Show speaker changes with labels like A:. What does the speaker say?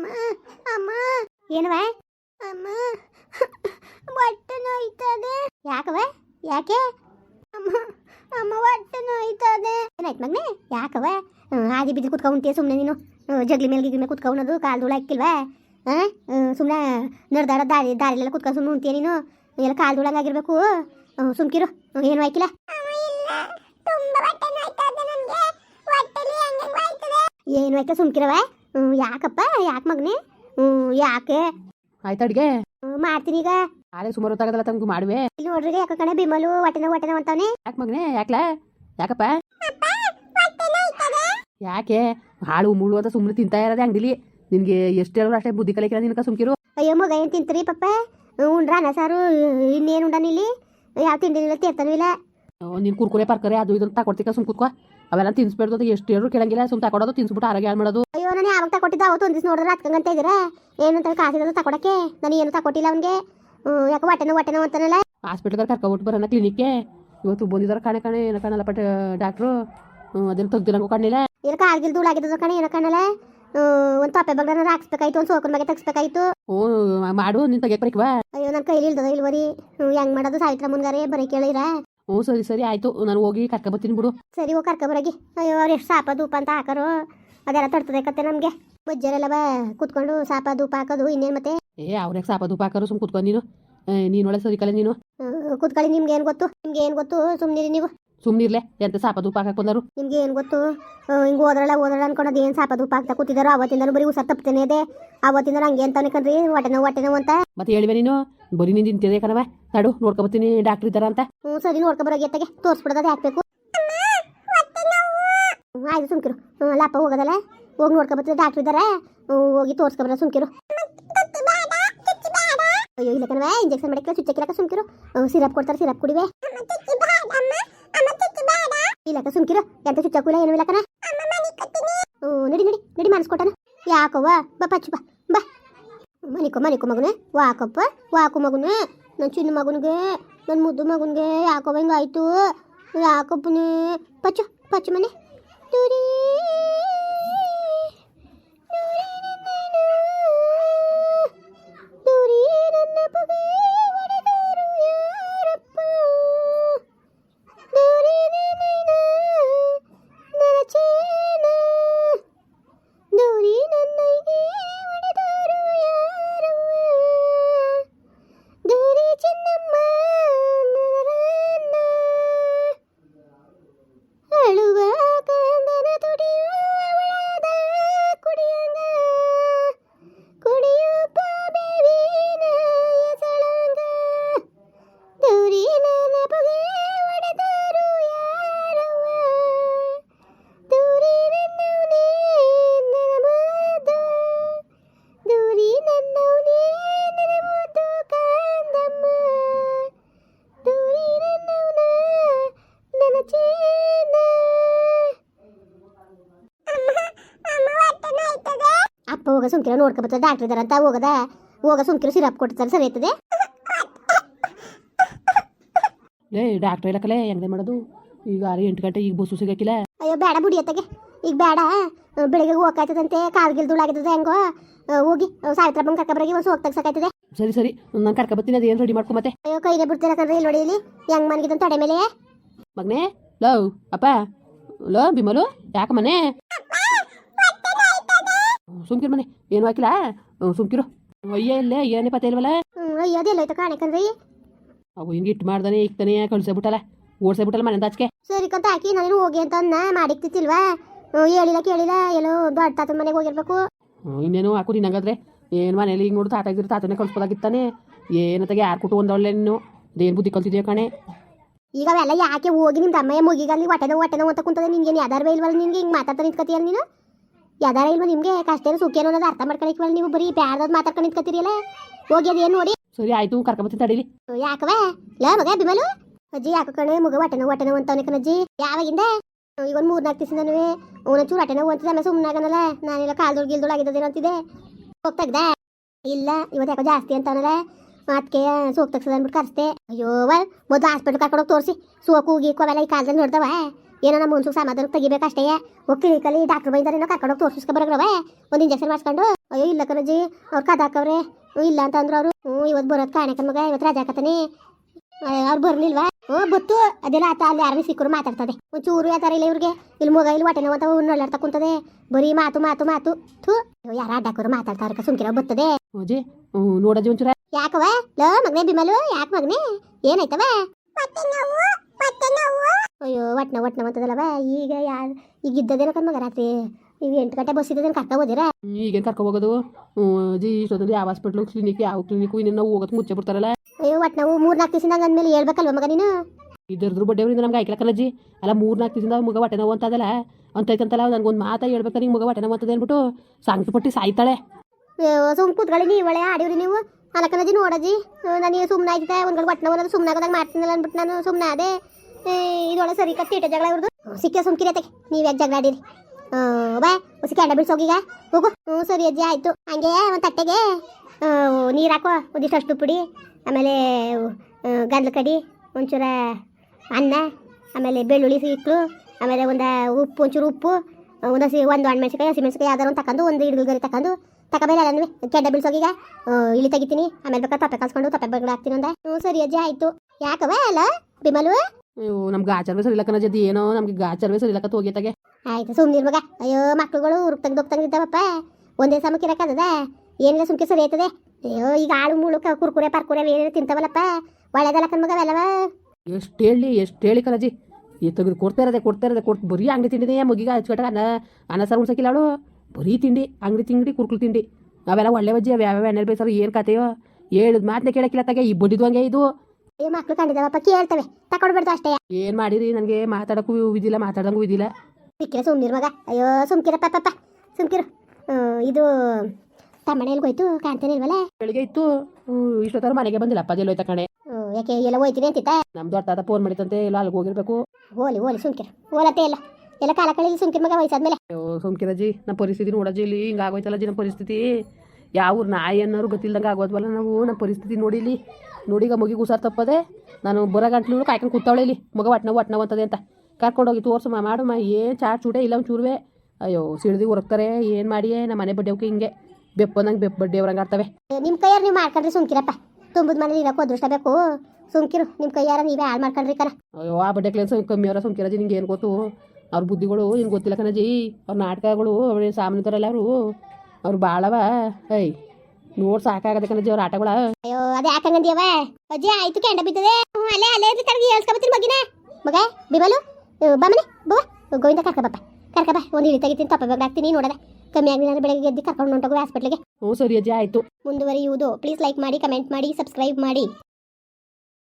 A: ಅಮ್ಮ ಏನವ ಅಮ್ಮ ಹೊಟ್ಟೆ ನೋಯ್ತದೆ ಯಾಕವ ಯಾಕೆ ಅಮ್ಮ ಅಮ್ಮ ಹೊಟ್ಟೆ ನೋಯ್ತದೆ ಏನಾಯ್ತು ಮಗನೇ ಯಾಕವ ಆದಿ ಬಿದ್ದು ಕುತ್ಕೊಂಡ್ತೀಯ ಸುಮ್ಮನೆ ನೀನು ಜಗ್ಲಿ ಮೇಲೆ ಗಿಗ್ಲಿ ಮೇಲೆ ಕುತ್ಕೊಳ್ಳೋದು ಕಾಲು ಧೂಳು ಹಾಕಿಲ್ವಾ ಸುಮ್ಮನೆ ನಡೆದಾಡೋ ದಾರಿಲೆಲ್ಲ ಕುತ್ಕೊಂಡು ಸುಮ್ಮನೆ ಉಂತೀಯ ನೀನು ಎಲ್ಲ ಕಾಲು ಧೂಳಂಗಾಗಿರ್ಬೇಕು ಸುಮ್ಕಿರು ಏನು ಹಾಕಿಲ್ಲ ಏನು ಆಯ್ತಾ ಸುಮ್ಕಿರವ ಯಾಕಪ್ಪ ಯಾಕೆ ಮಗನೇ ಯಾಕೆ
B: ಆಯ್ತು ಅಡ್ಗೆ
A: ಮಾಡ್ತೀನಿ ಈಗ
B: ಆಳೆ ಸುಮಾರು ಹೊತ್ತಾಗದಲ್ಲ ತಂಗು ಮಾಡುವೆ
A: ಇಲ್ಲಿ ನೋಡ್ರಿ ಯಾಕ ಕಣೆ ಬಿಮಲು ಹೊಟ್ಟೆನ ಅಂತಾನೆ
B: ಯಾಕೆ ಮಗನೇ ಯಾಕಪ್ಪ ಯಾಕೆ ಹಾಳು ಮುಳು ಅಂತ ಸುಮ್ಮನೆ ತಿಂತಾ ಇರೋದೇ ಅಂಗಡಿಲಿ ನಿನ್ಗೆ ಎಷ್ಟು ಹೇಳೋರು ಅಷ್ಟೇ ಬುದ್ಧಿ ಕಲಿಕಿಲ್ಲ ನಿನಕ ಸುಮ್ಕಿರು
A: ಅಯ್ಯೋ ಮಗ ಏನು ತಿಂತೀರಿ ಪಪ್ಪ ಉಂಡ್ರ ಅನ್ನ ಸಾರು ಇನ್ನೇನು ಉಂಡನ ಇಲ್ಲಿ ಯಾವ ತಿಂಡಿನಿಲ್ಲ ತೀರ್ತಾನೂ ಇಲ್ಲ
B: ನೀನು ಕುರ್ಕುರೆ ಪರ್ಕರೆ ಅದು ಇದನ್ನು ತಗೊಡ್ತಿಕ ಸುಮ್ ಕುತ್ಕೋ ಅವೆಲ್ಲ ತಿನ್ಸ್ಬೇಡ್ದು ಅಂತ ಎಷ್ಟು ಹೇಳರು ಕೇಳಂಗಿಲ್ಲ ಸುಮ್ ತಗೊಡೋದು ತಿನ್ಸ್ಬಿಟ್ಟು ಆರೋಗ್ಯ ಹಾಳು ಮಾಡೋದು
A: ಅಯ್ಯೋ ನಾನು ಯಾವಾಗ ತಗೊಟ್ಟಿದ್ದ ಅವತ್ತು ಒಂದು ದಿವಸ ನೋಡಿದ್ರೆ ಹತ್ಕಂಗಂತ ಇದ್ದೀರಾ ಏನಂತ ಕಾಸಿರೋದು ತಗೊಡಕ್ಕೆ ನಾನು ಏನು ತಗೊಟ್ಟಿಲ್ಲ ಅವನಿಗೆ ಯಾಕೆ ಹೊಟ್ಟೆನೋ ಅಂತಾನಲ್ಲ
B: ಹಾಸ್ಪಿಟ್ಲ್ಗೆ ಕರ್ಕೊಬಿಟ್ಟು ಬರೋಣ ಕ್ಲಿನಿಕ್ಗೆ ಇವತ್ತು ಬಂದಿದ್ದಾರೆ ಕಾಣೆ ಏನೋ ಕಾಣಲ್ಲ ಬಟ್ ಡಾಕ್ಟ್ರು ಅದನ್ನು ತೆಗ್ದಿರಂಗೂ ಕಾಣಲಿಲ್ಲ
A: ಏನೋ ಕಾಲ್ಗಿಲ್ ಧೂಳಾಗಿದ್ದು ಕಣೆ ಏನೋ ಕಾಣಲ್ಲ ಒಂದು ತೊಪ್ಪೆ ಬಗ್ಗೆ ಹಾಕ್ಸ್ಬೇಕಾಯ್ತು ಒಂದು ಸೋಕನ್ ಬಗ್ಗೆ ತೆಗ್ಸ್ಬೇಕಾಯ್ತು
B: ಮಾಡು ನೀನು ತೆಗಿಯಕ್ಕೆ ಬರೀಕ್ವಾ
A: ಅಯ್ಯೋ ನನ್ನ ಕೈಲಿ ಇಲ್ದದ ಇಲ್ವರಿ ಹೆಂಗ್ ಮಾಡೋದು ಸಾವಿತ್ರ ಮುನ್ಗಾರೆ ಬರೀ ಕೇಳಿರ
B: ಸರಿ ಆಯ್ತು ನಾನು ಹೋಗಿ ಕರ್ಕೊಬತ್ತೀನಿ ಬಿಡು
A: ಸರಿ ಹೋಗಿ ಕರ್ಕೊಬರಗಿ ಅಯ್ಯೋ ಅವ್ರು ಎಷ್ಟು ಸಾಪ ಧೂಪ ಅಂತ ಹಾಕೋರು ಅದೆಲ್ಲ ತಡ್ತದೆ ಕತ್ತೆ ನಮಗೆ ಬಜ್ಜರೆಲ್ಲ ಕುತ್ಕೊಂಡು ಸಾಪ ಧೂಪ ಹಾಕೋದು ಇನ್ನೇನು ಮತ್ತೆ
B: ಅವ್ರಿಗೆ ಸಾಪ ಧೂಪ ಹಾಕೋರು ಸುಮ್ ಕುತ್ಕೊಂಡು ನೀನು ಒಳ್ಳೆ ಸರಿ ಕಲೆ ನೀನು
A: ಕುತ್ಕೊಳ್ಳಿ ನಿಮ್ಗೆ ಏನು ಗೊತ್ತು ಸುಮ್ಮನಿರಿ ನೀವು
B: ಸುಮ್ಮನಿರ್ಲೆ ಎಂತ ಸಾಪ ಧೂಪ ಹಾಕಕ್ ಬಂದರು
A: ನಿಮ್ಗೆ ಏನು ಗೊತ್ತು ಹಿಂಗೆ ಓದ್ರಲ್ಲ ಅನ್ಕೊಳೋದು ಏನು ಸಾಪ ಧೂಪ ಹಾಕ್ತಾ ಕೂತಿದಾರೋ ಅವತ್ತಿಂದನೂ ಬರೀ ಉಸರ್ ತಪ್ಪತೇನೆ ಇದೆ ಅವತ್ತಿಂದ ಹಂಗೆ ಅಂತಾನೆ ಕಣ್ರಿ ಹೊಟ್ಟೆ ನೋವು ಅಂತ
B: ಮತ್ತೆ ಹೇಳಿವೆ ನೀನು ಬರೀ ನೀನು ತಿಂತಿದೆ ಕಣವ ನಡು ನೋಡ್ಕೊಬತ್ತೀನಿ ಡಾಕ್ಟ್ರ್ ಇದ್ದಾರ ಅಂತ
A: ಸರಿ ನೋಡ್ಕೊಬರೋಗಿ ಎತ್ತಗೆ ತೋರಿಸ್ಬಿಡೋದು ಹಾಕ್ಬೇಕು ಆಯ್ತು ಸುಮ್ಕಿರು ಲಪ್ಪ ಹೋಗೋದಲ್ಲ ಹೋಗಿ ನೋಡ್ಕೊಬತ್ತೀನಿ ಡಾಕ್ಟ್ರ್ ಇದ್ದಾರೆ ಹೋಗಿ ತೋರಿಸ್ಕೊಬರ ಸುಮ್ಕಿರು ಅಯ್ಯೋ ಇಲ್ಲ ಕಣವ ಇಂಜೆಕ್ಷನ್ ಮಾಡಕ್ಕೆ ಚುಚ್ಚಕ್ಕಿರಕ ಸುಮ್ಕಿರು ಸಿರಪ್ ಕೊಡ್ತಾರೆ ಸಿರಪ್ ಕುಡಿವೆ ಇಲ್ಲಕ್ಕ ಸುಮ್ಕಿರು ಎಂತ ಚುಚ್ಚಕ್ಕೂಲ ಏನೂ ಇಲ್ಲ ಕಣ ನಡಿ ಮನಸ್ಕೊಟ್ಟನ ಯಾಕವ್ವ ಬಾ ಪಚ್ಚು ಬಾ ಮನಿಕೋ ಮಗುನೆ ವಾಕು ಮಗುನೆ ನನ್ನ ಚಿನ್ನ ಮಗನಿಗೆ ನನ್ನ ಮುದ್ದು ಮಗನಿಗೆ ಯಾಕವ್ವ ಹಿಂಗಾಯ್ತು ಯಾಕಪ್ಪನೇ ಪಚ್ಚು ಮನೆ ದೂರಿ ನನ್ನ ಪುಗೆ ಒಡೆದರು ಯಾರಪ್ಪ ದೂರಿ ನನ್ನ ಚೇನ ದೂರಿ ನನ್ನೈಗೆ ಒಡೆದರು ಯಾರವ್ವ ದೂರಿ ಚಿನ್ನಮ್ಮ ಅಳುವ ಕಂದನ ತುಡಿಯುವಳದ ಕುಡಿಯಂಗ ಕುಡಿಯುಪ್ಪ ಬೇವಿನ ಎಸಳಂಗ ದೂರಿ ನನ್ನ ಪುಗೆ ಒಡೆದರು ಯಾರವ್ವ ದೂರಿ ನನ್ನವನೇ ನನ್ನ ಮುದ್ದು ದೂರಿ ನನ್ನವನೇ ನನ್ನ ಮುದ್ದು ಕಂದಮ್ಮ ದೂರಿ ನನ್ನವನ ನನ್ನ ಚೇನ ಅಪ್ಪ ಹೋಗ ಸುಮ್ಕಿರ ನೋಡ್ಕೊಬತ್ತ ಡಾಕ್ಟರ್ ಇದಾರ ಅಂತ ಹೋಗ ಸುಮ್ಕಿರ ಸಿರಪ್ ಕೊಡ್ತಾರೆ ಸರಿ ಆಯ್ತದೆ
B: ಡಾಕ್ಟ್ರ್ ಇಲ್ಲ ಕಲೆ ಹೆಂಗೆ ಮಾಡೋದು ಈಗ 8 ಗಂಟೆ ಈಗ ಬಸ್ಸು ಸಿಗಕ್ಕಿಲ್ಲ
A: ಅಯ್ಯೋ ಬೇಡ ಬಿಡಿ ಅತ್ತಗೆ ಈಗ ಬೇಡ ಬೆಳಿಗ್ಗೆ ಹೋಗಾಯ್ತದಂತೆ ಕಾಲ್ಗಿಲ್ ಧೂಳಾಗಿದ್ದದೆ ಹೆಂಗೋ ಹೋಗಿ ಸಾವಿತ್ರ ಬಂದು ಕರ್ಕೊಬರಗಿ ಒಂದು ಹೋಗಿ ತೆಗ್ಸಕಾಯ್ತದೆ
B: ಸರಿ ನಾನು ಕರ್ಕೊಬತ್ತೀನಿ ಅದೇನು ರೆಡಿ ಮಾಡ್ಕೊ ಮತ್ತೆ
A: ಅಯ್ಯೋ ಕೈನೇ ಬಿಡ್ತೀರ ಕಣ್ರಿ ಇಲ್ಲಿ ನೋಡಿ ಇಲ್ಲಿ ಹೆಂಗ್ ಮನ್ಗಿದಂತ ತಡೆ ಮೇಲೆ
B: ಮಗನೇ ಲವ್ ಅಪ್ಪ ಲೋ ಬಿಮಲು ಯಾಕೆ ಮನೆ ಸುಮ್ಕಿರು ಮನೆ ಏನು ಹಾಕಿಲ್ಲ ಸುಮ್ಕಿರು ಅಯ್ಯ ಇಲ್ಲೇ ಏನೇ ಪತ್ತೆ ಇಲ್ವಲ್ಲ
A: ಅಯ್ಯೋ ಅದೆಲ್ಲೋಯ್ತು ಕಾಣೆ ಕಣ್ರಿ
B: ಅವು ಹಿಂಗೆ ಇಟ್ಟು ಮಾಡ್ದಾನೆ ಇಕ್ತಾನೆ ಕಳ್ಸಬಿಟ್ಟಲ್ಲ ಓಡಿಸ್ಬಿಟ್ಟಲ್ಲ ಮನೆ ಆಚೆಗೆ
A: ಸರಿ ಕಂತ ಹಾಕಿ ನಾನು ಹೋಗಿ ಅಂತ ಮಾಡಿಕ್ತಿಲ್ವಾ ಹೇಳಿಲ್ಲ ಕೇಳಿಲ್ಲ ಎಲ್ಲೋ ದೊಡ್ಡ ತಾತನ ಮನೆಗೆ ಹೋಗಿರ್ಬೇಕು
B: ಇನ್ನೇನು ಹಾಕು ನೀನು ಹಂಗಾದ್ರೆ ಏನು ಮನೇಲಿ ಈಗ ನೋಡು ತಾತ ಇದ್ರೆ ತಾತನೇ ಕಳ್ಸ್ಬೋದಾಗಿತ್ತಾನೆ ಏನತ್ತಾಗೆ ಯಾರು ಕೊಟ್ಟು ಒಂದೊಳ್ಳೆ ನೀನು ಅದೇನು ಬುದ್ಧಿ ಕಲ್ತಿದ್ಯಾ ಕಣೆ
A: ಈಗ ಅವೆಲ್ಲ ಯಾಕೆ ಹೋಗಿ ನಿಮ್ಮ ಅಮ್ಮಯ್ಯ ಮುಗಿಗಲ್ಲಿ ಹೊಟ್ಟೆನೋ ಅಂತ ಕುಂತದೆ ನಿನ್ಗೇನು ಯಾವ್ದಾರು ಇಲ್ವಲ್ಲ ನಿನ್ಗೆ ಹಿಂಗೆ ಮಾತಾಡ್ತಾ ನಿಂತ್ಕತಿಯಲ್ಲ ನೀನು ಯಾವ್ದಾರ ಇಲ್ವ ನಿಮಗೆ ಕಷ್ಟೇನು ಸುಖೇನೋ ಅನ್ನೋದು ಅರ್ಥ ಮಾಡ್ಕೊಳಕ್ವಲ್ಲ ನೀವು ಬರೀ ಬ್ಯಾಡ್ದದ್ ಮಾತಾಡ್ಕೊಂಡು ನಿಂತ್ಕತಿರಿಯಲ್ಲ ಹೋಗಿ ಅದೇನು ನೋಡಿ
B: ಸರಿ ಆಯ್ತು ಕರ್ಕೊಂಬತ್ತೀನಿ ತಡೀರಿ
A: ಯಾಕವ ಲಾ ಮಗ ಬಿಮಲು ಅಜ್ಜಿ ಯಾಕೆ ಕಣೆ ಮಗ ಹೊಟ್ಟೆನೋ ಅಂತವನೇ ಕಣಜ್ಜಿ ಯಾವಾಗಿಂದ ಈಗ ಒಂದು 3-4 ದಿವಸನೂ ಒಂಚೂರು ಹೊಟ್ಟೆನೋ ಅಂತಿದ್ದೆ ಆಮೇಲೆ ಸುಮ್ಮನಾಗನಲ್ಲ ನಾನೆಲ್ಲ ಕಾಲ್ದೊಳಗೆ ಗಿಲ್ದೊಳಗಿದ್ದೇನೋ ಅಂತಿದ್ದೆ ಹೋಗ್ತಾಗ್ದೆ ಇಲ್ಲ ಇವತ್ತು ಯಾಕೋ ಜಾಸ್ತಿ ಅಂತವನಲ್ಲ ಅದಕ್ಕೆ ಸೋಕ್ ತಗ್ಸದ ಅಂದ್ಬಿಟ್ಟು ಕರೆಸ್ದೆ ಅಯ್ಯೋ ಮೊದಲು ಹಾಸ್ಪಿಟ್ಲ್ ಕರ್ಕೊಂಡೋಗಿ ತೋರಿಸಿ ಸೋಕು ಗೀಕು ಅವೆಲ್ಲ ಈ ಕಾಲದಲ್ಲಿ ನೋಡ್ದವ ಏನೋ ನಮ್ಮ ಮುನ್ಸುಗೆ ಸಮಾಧಾನ ತೆಗಿಬೇಕಷ್ಟೇ ಹೋಗಿ ಕ್ಲಿನಿಕಲ್ಲಿ ಡಾಕ್ಟರ್ ಬೈದಾರೇನೋ ಕರ್ಕೊಂಡೋಗಿ ತೋರಿಸ್ಕೊಬರಗ್ರವ ಒಂದು ಇಂಜೆಕ್ಷನ್ ಮಾಡಿಸ್ಕೊಂಡು ಅಯ್ಯೋ ಇಲ್ಲ ಕಣಜ್ಜಿ ಅವ್ರು ಕದಾಕವ್ರೆ ಇಲ್ಲ ಅಂತ ಅಂದ್ರು ಅವರು ಇವತ್ತು ಬರೋದು ಕಾಣಕ ಮಗ ಇವತ್ತು ರಜಾ ಹಾಕತಾನೆ ಅವ್ರು ಬರ್ಲಿಲ್ವಾ ಬತ್ತು ಅದೆಲ್ಲ ಆತ ಅಲ್ಲಿ ಯಾರನ್ನ ಸಿಕ್ಕರು ಮಾತಾಡ್ತದೆ ಒಂಚೂರು ಯಾತಾರ ಇಲ್ಲ ಇವ್ರಿಗೆ ಇಲ್ಲಿ ಮಗ ಇಲ್ಲಿ ಹೊಟ್ಟೆ ನೋವು ಅಂತ ನಳ್ಳಾಡ್ತಾ ಕುಂತದೆ ಬರೀ ಮಾತು ಮಾತು ಮಾತು ಥೂ ಯಾರ ಅಡ್ಡಾಕೋರು ಮಾತಾಡ್ತಾರ ಸುಮ್ಕಿರ ಬರ್ತದೆ
B: ಅಜ್ಜಿ ನೋಡಜ್ಜಿ ಒಂಚೂರ
A: ಯಾಕವ ಲೋ ಮಗನೇ ಬಿಮಲು ಯಾಕೆ ಮಗನೇ ಏನಾಯ್ತವ ಅಯ್ಯೋ ಒಟ್ನ ಅಂತದಲ್ಲವ ಈಗ ಯಾರು ಈಗ ಇದ್ದದೇನೋ ಮಗ ರಾತ್ರಿ ಈಗ 8 ಗಂಟೆ ಬಸ್ ಇದ್ದದೇನು ಕರ್ಕ ಹೋದಿರ
B: ಈಗೇನು ಕರ್ಕೊ ಹೋಗೋದು ಅಜ್ಜಿ ಇಷ್ಟೊಂದು ಯಾವ ಹಾಸ್ಪಿಟ್ಲು ಕ್ಲಿನಿಕ್ ಯಾವ ಕ್ಲಿನಿಕ್ಕು ಇನ್ನೇನು ನಾವು ಹೋಗೋದು ಮುಚ್ಚೆ ಬಿಡ್ತಾರಲ್ಲ
A: ಅಯ್ಯೋ ಒಟ್ಟು ನಾವು 3-4 ದಿವಸದಾಗ ಅಂದಮೇಲೆ ಹೇಳ್ಬೇಕಲ್ವ ಮಗ ನೀನು
B: ಇದ್ರದ್ರ ಬಡ್ಡೆಯವರಿಂದ ನಮ್ಗೆ ಆಯ್ಕಲಕ್ಕಲ್ಲಜ್ಜಿ ಅಲ್ಲ 3-4 ದಿವಸದಿಂದ ಮಗ ಹೊಟ್ಟೆ ನೋವು ಅಂತದಲ್ಲ ಅಂತೈತಂತಲ್ಲ ನನಗೊಂದು ಮಾತಾ ಹೇಳ್ಬೇಕಾರೆ ನಿಂಗೆ ಮಗ ಹೊಟ್ಟೆ ನೋವು ಅಂತದೆ ಅಂದ್ಬಿಟ್ಟು ಸಾಂಗ್ತು ಪಟ್ಟಿ ಸಾಯ್ತಾಳೆ
A: ಸುಮ್ ಕೂತ್ಕೊಳ್ಳಿ ನೀವು ಒಳ್ಳೆ ಆಡಿವ್ರಿ ನೀವು ಅಲಕ್ಕನಜ್ಜಿ ನೋಡಜ್ಜಿ ನನಗೆ ಸುಮ್ಮನೆ ಆಯ್ತಾ ಒಂದ್ಗಳು ಒಟ್ಟು ನೋವು ಸುಮ್ಮನೆ ಆಗೋದಾಗ ಮಾಡ್ತೀನಲ್ಲ ಅಂದ್ಬಿಟ್ಟು ನಾನು ಸುಮ್ಮನೆ ಅದೇ ಇದೊಳಗೆ ಸರಿ ಕತ್ತೀಟ ಜಗಳ ಇವ್ರದ್ದು ಸಿಕ್ಕ ಸುಮ್ಕಿರತ್ತೆ ನೀವು ಯಾಕೆ ಜಗಳ ಆಡಿರಿ ಬಾ ಹೊಸ ಕ್ಯಾಂಡ ಬಿಡ್ಸೋಗೀಗ ಹೋಗು ಸರಿ ಅಜ್ಜಿ ಆಯಿತು ಹಂಗೆ ಒಂದು ತಟ್ಟೆಗೆ ನೀರು ಹಾಕೋ ಒಂದಿಷ್ಟು ಅಷ್ಟು ಪುಡಿ ಆಮೇಲೆ ಗಂಧದ ಕಡಿ ಒಂಚೂರ ಅನ್ನ ಆಮೇಲೆ ಬೆಳ್ಳುಳ್ಳಿ ಸಿಕ್ಕಳು ಆಮೇಲೆ ಉಪ್ಪು ಒಂಚೂರು ಉಪ್ಪು ಒಂದು ಹಸಿಮೆಣ್ಸಿಕಾಯಿ ಯಾವ್ದಾರು ಒಂದು ತಗೊಂಡು ಒಂದು ಹಿಡಿದು ತಗೊಂಡು ತಗೋಬೇಡ ಅಲ್ಲನ್ವಿ ಕೆಡ್ಡ ಬಿಡ್ಸೋಗೀಗ ಇಳಿ ತೆಗಿತೀನಿ ಆಮೇಲೆ ಬೇಕಾದ್ರೆ ತಪ್ಪೆ ಕಲ್ಸ್ಕೊಂಡು ತಪ್ಪೆ ಬಗ್ಗೆ ಹಾಕ್ತೀನಿ ಅಂದೆ ಸರಿ ಅಜ್ಜಿ ಆಯಿತು ಯಾಕವ ಅಲ್ಲ ಬಿಮಲು
B: ಅಯ್ಯೋ ನಮ್ಗೆ ಗಾಚಾರವೇ ಸರಿ ಇಲ್ಲಕ್ಕ ನಜ್ಜಿ ಏನೋ ನಮ್ಗೆ ಗಾಚಾರವೇ ಸರಿ ಇಲ್ಲಕ್ಕ ಹೋಗಿತ್ತಾಗೆ
A: ಆಯ್ತು ಸುಮ್ಮನಿರ್ ಮಗ ಅಯ್ಯೋ ಮಕ್ಳುಗಳು ಉರುಕ್ ತೆಗ್ದಿದ್ದಾವಪ್ಪ ಒಂದೇ ಸಮಕ್ಕೆ ಇರಕ್ಕದ ಏನಿಲ್ಲ ಸುಮ್ಕೆ ಸರಿ ಆಯ್ತದೆ ಅಯ್ಯೋ ಈಗ ಆಳು ಮುಳು ಕುರ್ಕುರೆ ಪರ್ಕುರೆ ಏನೇನು ತಿಂತಾವಲ್ಲಪ್ಪ ಒಳ್ಳೇದಲ್ಲ ಕಣ್ಮಗ ಅವೆಲ್ಲವ
B: ಎಷ್ಟು ಹೇಳಿ ಕಲಜಿ ಈ ತೆಗೆದು ಕೊಡ್ತಾ ಇರೋದೆ ಬರೀ ಅಂಗಡಿ ತಿಂಡಿನೇ ಮಗಿಗೆ ಹಚ್ಕಟ್ಟಾಗ ಅನ್ನ ಸಾರು ಉಣ್ಸಕ್ಕಿಲ್ಲ ಅವಳು ಬರೀ ತಿಂಡಿ ಅಂಗಡಿ ಕುರ್ಕುಲು ತಿಂಡಿ ಅವೆಲ್ಲ ಒಳ್ಳೆ ವಜ್ಜಿ ಅವು ಯಾವ್ಯಾವ ಎಣ್ಣೆ ಬೇಸಾರು ಏನು ಕತೆಯೋ ಹೇಳಿದ ಮಾತನ್ನ ಕೇಳಕ್ಕಿಲ್ಲ ತಗೆ ಈ ಬಡ್ಡಿದ್ದು ಹಂಗೆ ಇದು
A: ಅಯ್ಯೋ ಮಕ್ಳು ಕಂಡಿದ್ದಾವಪ್ಪ ಕೇಳ್ತವೆ ತಕೊಡ್ಬಿಡ್ತು ಅಷ್ಟೇ
B: ಏನು ಮಾಡಿರಿ ನನಗೆ ಮಾತಾಡೋಕ್ಕೂ ವಿಧಿಲ್ಲ ಮಾತಾಡೋಂಗೂ ವಿಧಿಲ್ಲ
A: ಸಿಕ್ಕಿರ ಸುಮ್ನಿರ್ ಮಗ ಅಯ್ಯೋ ಸುಮ್ಕಿರ ಪಾಪ ಸುಮ್ಕಿರು ಇದು ತಮ್ಮನೆಯಲ್ಲಿ ಹೋಯ್ತು ಕಾಣ್ತೇನೆ ಇಲ್ವಲ್ಲ
B: ಬೆಳಿಗ್ಗೆ ಇತ್ತು ಇಷ್ಟೊತ್ತರ ಮನೆಗೆ ಬಂದಿಲ್ಲ ಅಪ್ಪ ಎಲ್ಲೋಯ್ತ ಕಣೆ
A: ಯಾಕೆ ಎಲ್ಲ ಹೋಯ್ತೀನಿ ಅಂತಿತ್ತ
B: ನಮ್ಮ ದೊಡ್ಡ ಫೋನ್ ಮಾಡಿತಂತೆ ಎಲ್ಲ ಅಲ್ಲಿಗೆ ಹೋಗಿರ್ಬೇಕು
A: ಓಲಿ ಸುಮ್ಕಿರು ಓಲತ್ತೆ ಎಲ್ಲ ಕಾಲ ಕಳೀಲಿ ಸುಮ್ಕಿರ್ ಮಗ ವಯಸ್ಸಾದ್ಮೇಲೆ
B: ಅಯ್ಯೋ ಸುಮ್ಕಿರಜ್ಜಿ ನಮ್ಮ ಪರಿಸ್ಥಿತಿ ನೋಡಜ್ಜಿ ಇಲ್ಲಿ ಹಿಂಗೆ ಆಗೋಯ್ತಲ್ಲ ಜಿ ನಮ್ಮ ಪರಿಸ್ಥಿತಿ ಯಾವ ನಾಯಿ ಅನ್ನೋರು ಗೊತ್ತಿಲ್ದಂಗೆ ಆಗೋದ್ವಲ್ಲ ನಾವು ನಮ್ಮ ಪರಿಸ್ಥಿತಿ ನೋಡಿಲಿ ನೋಡಿಗ ಮಗಿಗೆ ಹುಷಾರು ತಪ್ಪದೆ ನಾನು ಬರೋ ಗಂಟ್ಲು ಕಾಯ್ಕೊಂಡು ಕೂತಾವಳೆ ಇಲ್ಲಿ ಮಗ ಒಟ್ನವು ಅಂತದೆ ಅಂತ ಕರ್ಕೊಂಡೋಗಿ ತೋರ್ಸು ಮಾಡಮ್ಮ ಏನು ಚಾಟ್ ಚೂಟೆ ಇಲ್ಲ ಒಂದು ಚೂರುವೆ ಅಯ್ಯೋ ಸಿಡ್ದು ಹೊರಗ್ತಾರೆ ಏನು ಮಾಡಿಯೇ ನಮ್ಮ ಮನೆ ಬಡ್ಡೆವಕ್ಕೆ ಹಿಂಗೆ ಬೆಪ್ಪಂದಂಗೆ ಬಡ್ಡೆಯವ್ರಂಗೆ ಆಡ್ತವೆ
A: ನಿಮ್ಮ ಕೈಯಾರ ನೀವು ಮಾಡ್ಕೊಂಡ್ರಿ ಸುಮ್ಕಿರಪ್ಪ ತುಂಬದ ಮನೇಲಿ ಇರೋಕ್ಕೂ ಅದೃಷ್ಟ ಬೇಕು ಸುಮ್ಕಿರು ನಿಮ್ಮ ಕೈಯಾರ ನೀವೇ ಹಾಳು ಮಾಡ್ಕೊಂಡ್ರಿ ಕಣ
B: ಅಯ್ಯೋ ಆ ಬಡ್ಡೆ ಕ್ಲೇನ್ಸ್ ಕಮ್ಮಿ ಅವರ ಸುಮ್ಕಿರಜಿ ನಿಂಗೆ ಏನು ಗೊತ್ತು ಅವ್ರ ಬುದ್ಧಿಗಳು ಏನು ಗೊತ್ತಿಲ್ಲ ಕಣಜಿ ಅವ್ರ ನಾಟಕಗಳು ಅವ್ರ ಸಾಮಾನ್ಯ ಥರಲ್ಲ ಅವ್ರು ಭಾಳವ ಐ ನೋಡ್ ಸಾಕಾಗದೆ ಕಣಜಿ ಅವ್ರ ಆಟಗಳ
A: ಅಯ್ಯೋ ಅದೇ ಯಾಕಂಗಂದಿಯವ ಅಜ್ಜಿ ಆಯ್ತು ಕೆಂಡ ಬಿದ್ದದೆ ಅಲ್ಲೇ ಕರ್ಗಿ ಹೇಳ್ಸ್ಕೊಬತ್ತೀನಿ ಮಗ ಬಿಬಲು ಬಮ್ಮನೆ ಗೋವಿಂದ ಕರ್ಕ ಬಾ ಒಂದು ಇಳಿ ತೆಗಿತೀನಿ ತಪ್ಪ ಬಗ್ಗೆ ಹಾಕ್ತೀನಿ ನೋಡದ ಕಮ್ಮಿ ಆಗಿ ನಾನು ಬೆಳಗ್ಗೆ ಎದ್ದು ಕರ್ಕೊಂಡು ಹೊಂಟೋಗುವ ಹಾಸ್ಪಿಟ್ಲಿಗೆ
B: ಸರಿ ಅಜ್ಜಿ ಆಯಿತು
A: ಮುಂದುವರಿಯುವುದು ಪ್ಲೀಸ್ ಲೈಕ್ ಮಾಡಿ ಕಮೆಂಟ್ ಮಾಡಿ ಸಬ್ಸ್ಕ್ರೈಬ್ ಮಾಡಿ